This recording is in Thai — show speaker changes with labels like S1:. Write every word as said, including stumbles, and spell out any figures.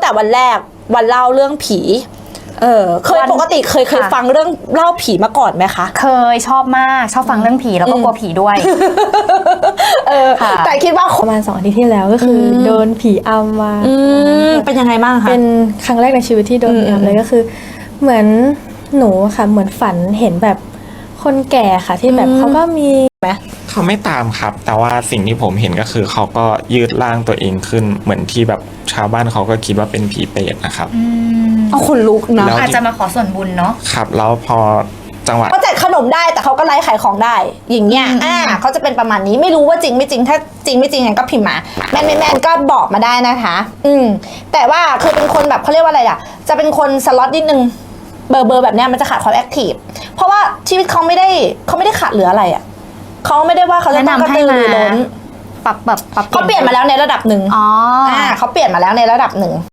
S1: แต่วันแรกวันเล่าเรื่องผีเออเคยปกติเคยเคยฟังเรื่องเล่าผีมาก่อนไหมคะ
S2: เคยชอบมากชอบฟังเรื่องผีแล้วก็กลัวผีด้วย
S1: เออแต่คิดว่า
S3: ประมาณสองอาทิตย์ที่แล้วก็คือโดนผีอำมา
S1: เป็นยังไงบ้างคะ
S3: เป็นครั้งแรกในชีวิตที่โดนผีอำเลยก็คือเหมือนหนูค่ะเหมือนฝันเห็นแบบคนแก่ค่ะที่แบบเขาก็มีไหม
S4: เขาไม่ตามครับแต่ว่าสิ่งที่ผมเห็นก็คือเขาก็ยืดร่างตัวเองขึ้นเหมือนที่แบบชาวบ้านเขาก็คิดว่าเป็นผีเปรตนะครับ
S1: เอาคนลุกนะ
S2: อาจจะมาขอส่วนบุญเนาะ
S4: ครับแล้วพอจังหวะ
S1: เขาแจกขนมได้แต่เขาก็ไลฟ์ขายของได้อย่างเงี้ยอ่าเขาจะเป็นประมาณนี้ไม่รู้ว่าจริงไม่จริงถ้าจริงไม่จริงงั้นก็พิมพ์มาแมนไม่แมนก็บอกมาได้นะคะอืมแต่ว่าคือเป็นคนแบบเขาเรียกว่าอะไรอ่ะจะเป็นคนสล็อตนิดนึงเบอร์เบอร์แบบเนี้ยมันจะขาดความแอคทีฟเพราะว่าชีวิตเขาไม่ได้เขาไม่ได้ขาดเหลืออะไรอ่ะเขาไม่ได้ว่าเขาจะต้องกระตือรือร้น
S2: ปรับแบบปรับ
S1: เขาเปลี่ยนมาแล้วในระดับหนึ่งอ๋ออ่าเขาเปลี่ยนมาแล้วในระดับหนึ่ง